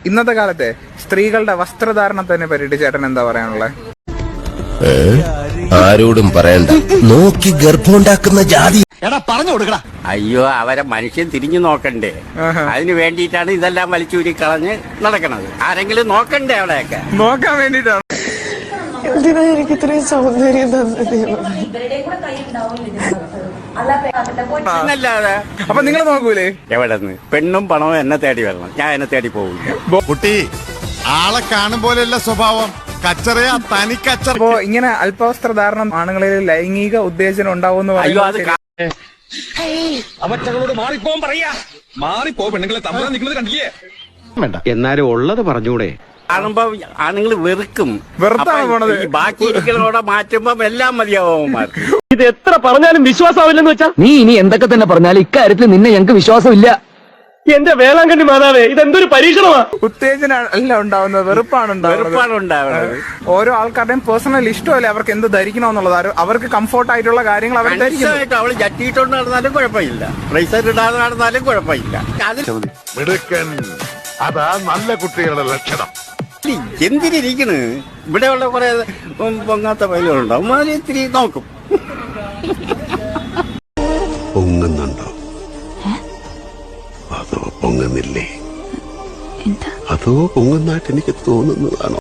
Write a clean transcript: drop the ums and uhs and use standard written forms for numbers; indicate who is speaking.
Speaker 1: ഇന്നത്തെ കാലത്തെ സ്ത്രീകളുടെ വസ്ത്രധാരണത്തിനെ പറ്റിയിട്ട് ചേട്ടൻ എന്താ പറയാനുള്ളത്?
Speaker 2: ആരോടും പറയണ്ട, നോക്കി ഗർഭമുണ്ടാക്കുന്ന ജാതി.
Speaker 3: എടാ പറഞ്ഞു കൊടുക്കടാ.
Speaker 4: അയ്യോ, അവരെ മനുഷ്യൻ തിരിഞ്ഞു നോക്കണ്ടേ? അതിന് വേണ്ടിയിട്ടാണ് ഇതെല്ലാം വലിച്ചൂരി കളഞ്ഞ് നടക്കണത്. ആരെങ്കിലും നോക്കണ്ടേ? അവിടെയൊക്കെ
Speaker 1: നോക്കാൻ വേണ്ടിട്ടാണ്.
Speaker 5: എന്തിനാ എനിക്ക് ഇത്രയും സൗന്ദര്യം തന്നത്?
Speaker 4: അല്ലാതെ
Speaker 1: അപ്പൊ നിങ്ങൾ നോക്കൂലേ?
Speaker 4: എവിടെന്ന് പെണ്ണും പണവും എന്നെ തേടി വരണം, ഞാൻ എന്നെ തേടി പോകില്ല.
Speaker 3: കുട്ടി ആളെ കാണും പോലെയല്ല സ്വഭാവം, കച്ചറയാ തനി കച്ചറ.
Speaker 1: അപ്പോ ഇങ്ങനെ അല്പവസ്ത്രധാരണം ആണുങ്ങളിൽ ലൈംഗിക ഉത്തേജനം ഉണ്ടാവുമെന്ന്
Speaker 4: അയ്യോ, അത്
Speaker 6: അവറ്റകളോട് മാറിപ്പോൻ പറയാ. മാറിപ്പോ, പെണ്ണുങ്ങളെ തമ്മിൽ നിൽക്കുന്നത് കണ്ടില്ലേ?
Speaker 7: എന്നാലും ഉള്ളത് പറഞ്ഞൂടെ?
Speaker 4: കാണുമ്പോ ആണുങ്ങൾ വെറുക്കും.
Speaker 1: വെറുത്താണ് പോണത്.
Speaker 4: ഈ ബാക്കി ഇരിക്കുന്നതോടെ മാറ്റുമ്പോ എല്ലാം മതിയാവുമാർക്ക്.
Speaker 7: ഇത് എത്ര പറഞ്ഞാലും വിശ്വാസമാവില്ലെന്ന് വെച്ചാ നീ ഇനി എന്തൊക്കെ തന്നെ പറഞ്ഞാലും ഇക്കാര്യത്തിൽ നിന്നെ ഞങ്ങൾക്ക് വിശ്വാസമില്ല. എന്റെ വേളാങ്കണ്ണി മാതാവേ, ഇതെന്തൊരു പരീക്ഷണമാ.
Speaker 1: ഉത്തേജനം അല്ല ഉണ്ടാവുന്നത്, വെറുപ്പാണ്
Speaker 4: ഉണ്ടാവുന്നത്.
Speaker 1: ഓരോ ആൾക്കാരുടെയും പേഴ്സണൽ ഇഷ്ടമല്ലേ അവർക്ക് എന്ത് ധരിക്കണമെന്നുള്ളത്. അവർക്ക് കംഫോർട്ട് ആയിട്ടുള്ള കാര്യങ്ങൾ അവർ ധരിക്കും.
Speaker 4: അവള് ജട്ടിയിട്ടോണ്ട് നടന്നാലും കുഴപ്പമില്ല, റൈസർ ഇടാതെ നടന്നാലും കുഴപ്പമില്ല.
Speaker 8: മിടുക്കൻ, അതാ നല്ല കുട്ടികളുടെ ലക്ഷണം.
Speaker 4: എന്തിനിരിക്കണ്? ഇവിടെയുള്ള കുറെ പൊങ്ങാത്ത പൈലുകളുണ്ടാവും, അതിന് ഇത്തിരി നോക്കും.
Speaker 2: പൊങ്ങുന്നുണ്ടോ അതോ പൊങ്ങുന്നില്ലേ? അതോ പൊങ്ങുന്നതായിട്ട് എനിക്ക് തോന്നുന്നതാണോ?